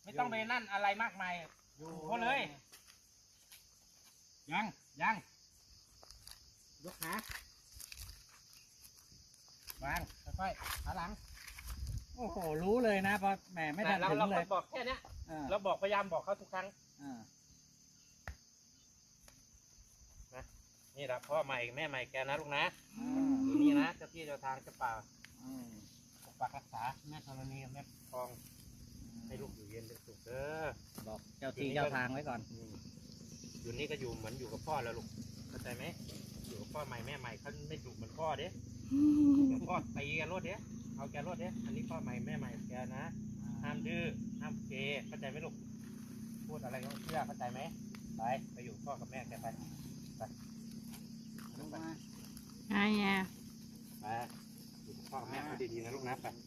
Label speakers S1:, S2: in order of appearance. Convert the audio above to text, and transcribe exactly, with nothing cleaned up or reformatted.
S1: ไม่ต้องไปนั่นอะไรมากมายอยู่ก็เลยยังยังยกขาวางค่อยๆขาหลัง
S2: โอ้โหรู้เลยนะพอแหมไม่ทัน
S1: เรา
S2: ถึง
S1: เรา
S2: เลย
S1: บอกแค่เนี้ย
S2: อ่า
S1: เราบอกพยายามบอกเขาทุกครั้ง
S2: อ่า
S1: นะนี่แหละพ่อใหม่แม่ใหม่แกนะลูกนะ
S2: อ่า
S1: อยู่นี่นะเจ้าที่เจ้าทางเจ้าป่า
S2: อืม
S1: ปกปักรักษาแม่ธรณีกับแม่ทองให้ลูกอยู่เย็นเป็นสุขเด้อ
S2: บอกเจ้าที่เจ้าทางไว้ก่อน
S1: อืมอยู่นี่ก็อยู่เหมือนอยู่กับพ่อแล้วลูกเข้าใจไหมอยู่กับพ่อใหม่แม่ใหม่เขาไม่ดุเหมือนพ่อเด้เดี๋ยวพ่อตีแกรถเด้เอาแกรถเด้อันนี้พ่อใหม่แม่ใหม่แกนะห้ามดื้อห้ามเกเข้าใจไหมลูกพูดอะไรก็เชื่อเข้าใจไหมไปไปอยู่พ่อกับแม่แกไปไปไป
S3: ไงอ่ะ
S1: ไปอยู่กับพ่อกับแม่เขาดีๆนะลูกนะไป